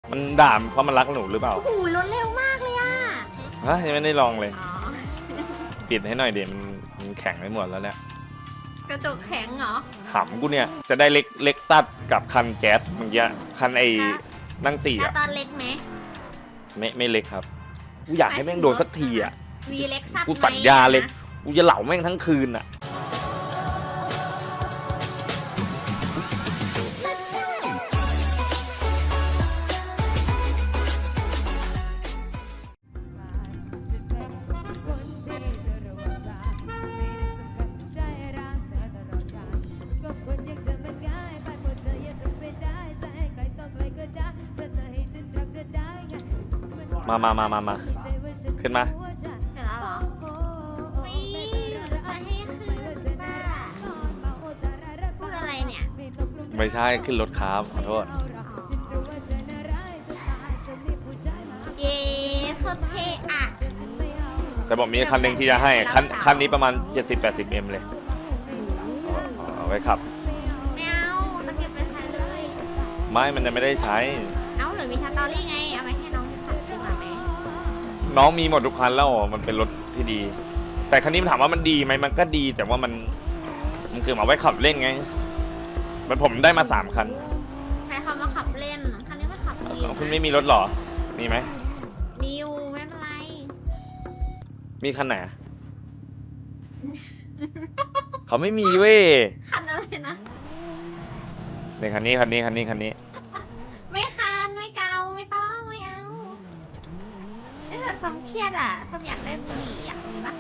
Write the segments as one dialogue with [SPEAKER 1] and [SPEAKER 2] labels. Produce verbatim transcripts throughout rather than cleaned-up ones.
[SPEAKER 1] มันด่าเพราะมันรักหนูหรือเปล่า
[SPEAKER 2] โอ้โหรถเร็วมากเลยอ่ะ
[SPEAKER 1] ฮะยังไม่ได้ลองเลย
[SPEAKER 2] อ๋อ
[SPEAKER 1] ปิดให้หน่อยเดี๋ยวมันมันแข็งไปหมดแล้วเนี่ย
[SPEAKER 2] กระจกแข็งเหรอ
[SPEAKER 1] หำกูเนี่ยจะได้เล็กเล็กซัดกับคันแก๊สเมื่อกี้คันไอ้นั่งสี่
[SPEAKER 2] แล้ว
[SPEAKER 1] อ่ะ
[SPEAKER 2] ตอนเล็กไหม
[SPEAKER 1] ไม่ไม่เล็กครับกูอยากให้แม่งโดนสักทีอ่ะ
[SPEAKER 2] วีเล็กซัด
[SPEAKER 1] กูสัญญาเลยกูจะเหล่าแม่งทั้งคืนอ่ะมามามามามาขึ้นมา
[SPEAKER 2] เสร็จแล้วเหรอไม่จะให้ขึ้นป้าพูดอะไรเนี่ย
[SPEAKER 1] ไม่ใช่ขึ้นรถครับขอโทษ
[SPEAKER 2] เย้โคตรเท่อะ
[SPEAKER 1] แต่บอกมีคันหนึ่งที่จะให้คันคันนี้ประมาณ เจ็ดสิบแปดสิบ เอ็ม เลยเอาเอาไว้ขับ
[SPEAKER 2] ไม่เอาตะเกียบไปใช้เลย
[SPEAKER 1] ไม่มันจะไม่ได้ใช้
[SPEAKER 2] เอ้าหรือมีสตอรี่ไง เอาไปให้น้องที่ขับดีกว่าไหม
[SPEAKER 1] น้องมีหมดทุกคันแล้วมันเป็นรถที่ดี แต่คันนี้ถามว่ามันดีไหมมันก็ดี แต่ว่ามันมันคือมาไว้ขับเล่นไงมันผมได้มาสามคัน
[SPEAKER 2] ใช้คำว่าขับเล่น คันนี้มันขับดีอยู่
[SPEAKER 1] คุณ
[SPEAKER 2] นะ
[SPEAKER 1] ไม่มีรถหรอมีไหม
[SPEAKER 2] มีอยู่ไม่เป็นไร
[SPEAKER 1] มีคันไหนอะ เขาไม่มีเว้ย
[SPEAKER 2] คันอะไรนะ
[SPEAKER 1] ในคันนี้คันนี้คันนี้คันนี้
[SPEAKER 2] ไม่คันไม่เกาไม่ต้องไม่เอาถ้าเกิดสมเครียดอ่ะสมอยากได้บุหรี่อยากมีปะ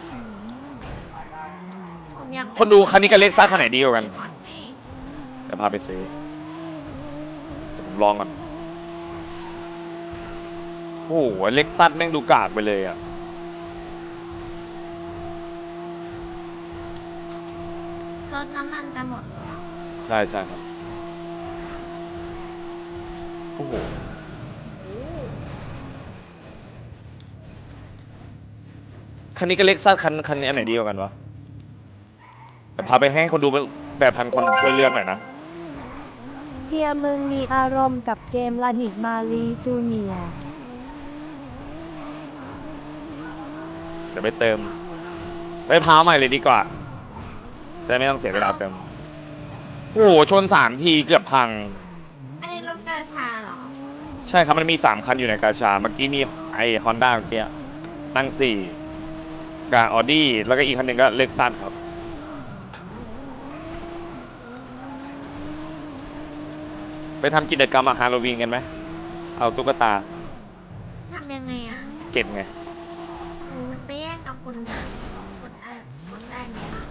[SPEAKER 2] ผมอยาก
[SPEAKER 1] คนดูคันนี้กับเล็กซ่าคันไหนดีกว่ากัน
[SPEAKER 2] ก่อนไง
[SPEAKER 1] เดี๋ยวพาไปซื้อเดี๋ยวผมลองก่อนโอ้โหเล็กซัสแม่งดูกากไปเลยอ่ะ
[SPEAKER 2] รถน้ำมันจะหมดแล้ว
[SPEAKER 1] ใช่ใช่ครับโอ้โหคันนี้กับเล็กซัสคันคันนี้อันไหนดีกว่ากันวะแต่พาไปให้คนดูแบบพันคนช่วยเลือกหน่อยนะ
[SPEAKER 3] เฮียมึงมีอารมณ์กับเกมลาดิกมาลีจูเนียร์
[SPEAKER 1] เดี๋ยวไปเติมไปพาใหม่เลยดีกว่าจะไม่ต้องเสียเวลาเติมโอ้โหชนสามทีเกือบพัง
[SPEAKER 2] อันนี้รถกระชาเหรอ
[SPEAKER 1] ใช่ครับมันมีสามคันอยู่ในกาชาเมื่อกี้มีไอฮอนด้าเมื่อกี้นั่งสี่กับออดี้แล้วก็อีกคันหนึ่งก็เล็กซัสครับไปทำกิจกรรมอะฮาโลวีนกันไหมเอาตุ๊กตา
[SPEAKER 2] ทำยังไงอ่ะ
[SPEAKER 1] เก็บไง
[SPEAKER 2] โอ้ไปแย่งกับคนกดได้กดได้ไหมอะ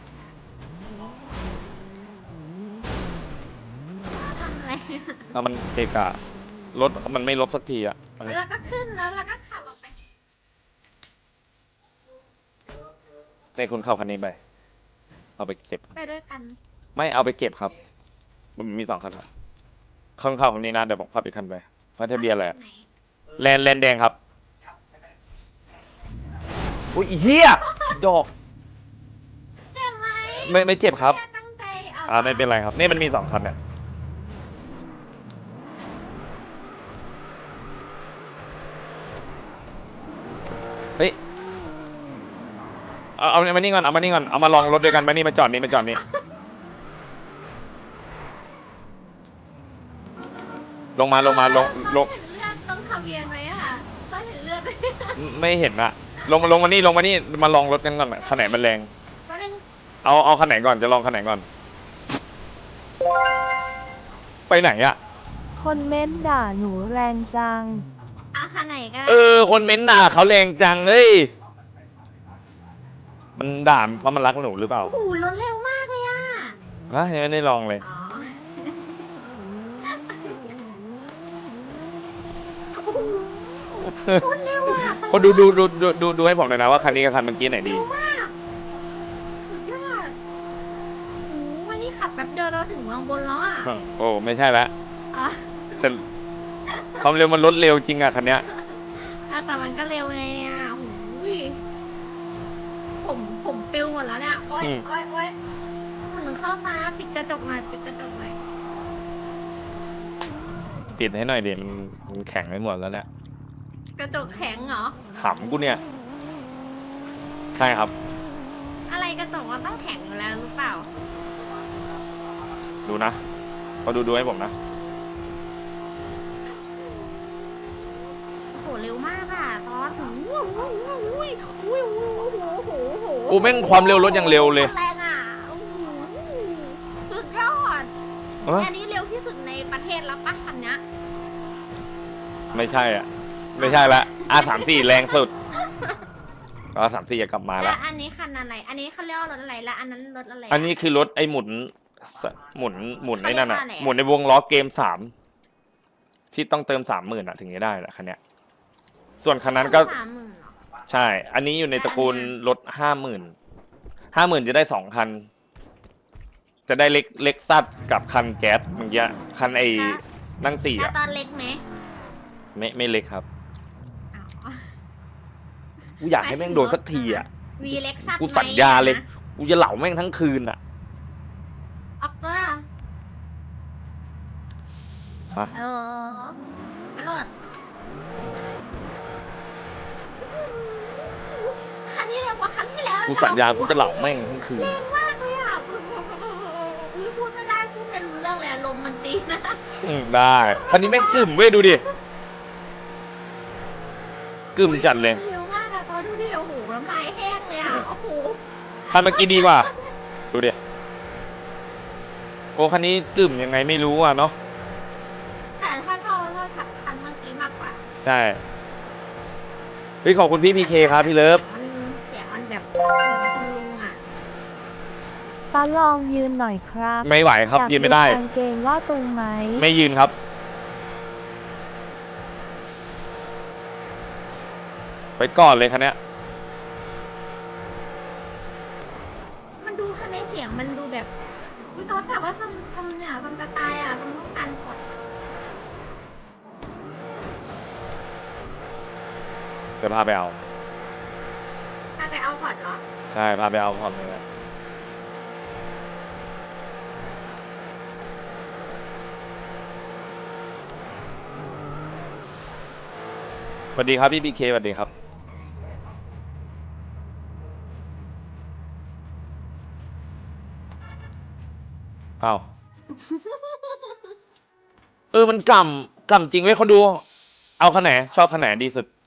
[SPEAKER 2] ทำอะไรอะ
[SPEAKER 1] แล้วมันเกะกะรถมันไม่ลบสักทีอะ
[SPEAKER 2] แล้วก็ขึ้นแล้วแล้วก็ขับออกไป
[SPEAKER 1] ในคุณเข้าคันนี้ไปเอาไปเก็บ
[SPEAKER 2] ไปด้วยกัน
[SPEAKER 1] ไม่เอาไปเก็บครับ มันมีสองคันครับข้างเข้าคันนี้นะเดี๋ยวผมขับอีกคันไปเพราะทะเบียนอะไรอะ
[SPEAKER 2] ไหน
[SPEAKER 1] แลนแลนแดงครับอุ้ยอีเหี้ยดอก
[SPEAKER 2] เจ็บไหม
[SPEAKER 1] ไม่ไม่เจ็บครับ
[SPEAKER 2] แค่ตั้งใจเอา
[SPEAKER 1] อ่าไม่เป็นไรครับนี่มันมีสองคันเนี่ยเฮ้ยเอาเอามานี่ก่อนเอามานี่ก่อนเอามาลองรถด้วยกันมานี่มาจอดนี่มาจอดนี่ลงมาลงมาลงลง
[SPEAKER 2] เห็นเลือดตรงทะเบียนไหมอ่ะต้องเห็นเลือดไหม
[SPEAKER 1] ไม่เห็นอะลงมาลงมานี่ลงมานี่มาลองรถกันก่อนคันไหนมันแรง
[SPEAKER 2] ก็เล่น
[SPEAKER 1] เอาเอาคันไหนก่อนจะลองคันไหนก่อน ไปไหนอะ
[SPEAKER 3] คนเม้นด่าหนูแรงจัง
[SPEAKER 2] เอาคันไหนก็
[SPEAKER 1] เออคนเม้นด่าเขาแรงจังเฮ้ยมันด่าเพราะมันรักหนูหรือเปล่า
[SPEAKER 2] โอ้โหรถเร็วมากเลยอ่ะ
[SPEAKER 1] ฮะยังไม่ได้ลองเลย
[SPEAKER 2] อ๋อคนเร็วอ่ะ
[SPEAKER 1] คนดูดูดูดูดูดูให้ผมหน่อยนะว่าคันนี้กับคันเมื่อกี้ไหนดี
[SPEAKER 2] เร็วมากสุดยอดโอ้โหวันนี้ขับแป๊บเดียวเราถึงเมืองบนแล้วอ่ะ
[SPEAKER 1] โอ้ไม่ใช่ละ
[SPEAKER 2] อ๋อ
[SPEAKER 1] แต่ความเร็วมันลดเร็วจริงอะคันเนี้ย
[SPEAKER 2] อ่ะแต่มันก็เร็วไงเนี่ยโอ้ยผมผมปิวหมดแล้วเนี่ยโอ๊ยโอ๊ยโอ๊ยมันเข้าตาปิดกระจกหน่อยปิดกระจกหน่อย
[SPEAKER 1] ปิดให้หน่อยดิมันมันแข็งไปหมดแล้วเนี่ย
[SPEAKER 2] กระจกแข็งเหรอ
[SPEAKER 1] ขำกูเนี่ย ใช่ครับ
[SPEAKER 2] อะไรกระจกมันต้องแข็งอยู่แล้วหรือเปล่า
[SPEAKER 1] ดูนะเขาดูดูให้ผมนะ
[SPEAKER 2] โหเร็วมากอ่ะตอนหูหูหูหูหูหูหูหูหู
[SPEAKER 1] กูแม่งความเร็วรถยังเร็วเลย
[SPEAKER 2] แรงอ่ะโอ้โหสุดยอด
[SPEAKER 1] เอ้ย
[SPEAKER 2] อันนี้เร็วที่สุดในประเทศแล้วปะคันเนี้ย
[SPEAKER 1] ไม่ใช่อ่ะ ไม่ใช่ละอาสามสี่แรงสุดอาสามสี่จะกลับมา
[SPEAKER 2] แล้
[SPEAKER 1] ละ
[SPEAKER 2] วอันนี้คันอะไร อันนี้เขาเรียกว่ารถอะไรแล้วอันนั้นรถอะไระ
[SPEAKER 1] อันนี้คือรถไอ้หมุนสหมุนหมุนไอ้นั่นอ่ะ
[SPEAKER 2] เขาเรียกว่าอะไรอะ
[SPEAKER 1] หมุนในวงล้อเกมสามที่ต้องเติมสามหมื่นอ่ะ ถึงจะได้แหละคันเนี้ย ส่วนคันนั้นก็
[SPEAKER 2] สามหมื่นเหรอ
[SPEAKER 1] ใช่ อันนี้อยู่ในตระกูลรถห้าหมื่นห้าหมื่นจะได้สองคัน จะได้เล็กเล็กซัดกับคันแจ๊สเมื่อกี้คันไอ้นั่งสี่
[SPEAKER 2] แล้ว
[SPEAKER 1] อ่ะ
[SPEAKER 2] ตอนเล็กไหม
[SPEAKER 1] ไม่ไม่เล็กครับ
[SPEAKER 2] อ้าว
[SPEAKER 1] กูอยากให้แม่งโดนสักทีอ่ะ
[SPEAKER 2] วีเล็กซัส
[SPEAKER 1] กูสัญญาเลย กูจะเหล่าแม่งทั้งคืนอ่ะ
[SPEAKER 2] ออกตัว
[SPEAKER 1] ฮะ
[SPEAKER 2] เออรถคันนี้เร็วกว่าคันที่แล้ว
[SPEAKER 1] กูสัญญา กูจะเหล่าแม่งทั้งคืน
[SPEAKER 2] เร็วมากเลยอ่ะพูดไม่ได้พูดไม่รู้เรื่องเลยลมมันตีนะ
[SPEAKER 1] อืมได้คันนี้แม่งกึ่มเว้ยดูดิกึ่มจัดเลย
[SPEAKER 2] เร็วมากอะตอนดูดิโอ้โหน้ำลายแห้งเลยอะโอ้โห
[SPEAKER 1] คันเมื่อกี้ดีกว่า ดูดิ โอ้คันนี้กึ่มยังไงไม่รู้อ่ะเนาะ
[SPEAKER 2] แต่ถ้าชอบก็ขับคันเมื่อกี้มากกว่า
[SPEAKER 1] ใช่ เฮ้ยขอบคุณพี่พีเคครับพี่เลิฟ
[SPEAKER 2] มันเสียงมันแบบคุณลุงอะ
[SPEAKER 3] ป้าลองยืนหน่อยครับ
[SPEAKER 1] ไม่ไหวครับ
[SPEAKER 3] อยาก
[SPEAKER 1] ยืนไม่ได้
[SPEAKER 3] กางเกงว่าตรงไหม
[SPEAKER 1] ไม่ยืนครับ ไปก่อนเลยคันเนี้ย
[SPEAKER 2] มันดูทำไมเสียงมันดูแบบวิตอนแต่ว่าทำทำเนี่ยทำกระต่ายอะทำต้องการกด
[SPEAKER 1] เดี๋ยวพาไปเอา
[SPEAKER 2] ถ้าไปเอาพอร์ตเหรอ
[SPEAKER 1] ใช่ พาไปเอาพร้อมเลยนะสวัสดีครับพี่พีเคสวัสดีครับ อ้าว เออ มันกำกำจริงเว้ยคนดู เอาคันไหน ชอบคันไหนดีสุด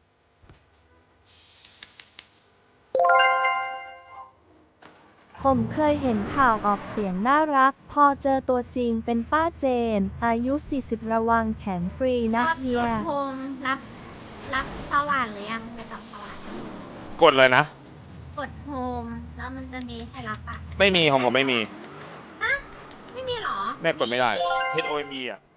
[SPEAKER 3] ผมเคยเห็นข่าวออกเสียงน่ารัก พอเจอตัวจริงเป็นป้าเจน อายุ สี่สิบ ระวังแขนฟรีนะ
[SPEAKER 2] กด
[SPEAKER 3] เฮีย
[SPEAKER 2] กดโฮมรับรับสว่านหรือยังไปต่อสว่าน
[SPEAKER 1] กดเลยนะ
[SPEAKER 2] กดโฮมแล้วมันจะมีให้รับอ่ะ
[SPEAKER 1] ไม่มีของผมไม่มี
[SPEAKER 2] ฮะไม่มีเหรอ
[SPEAKER 1] แม่กดไม่ได้ H O M E อ่ะ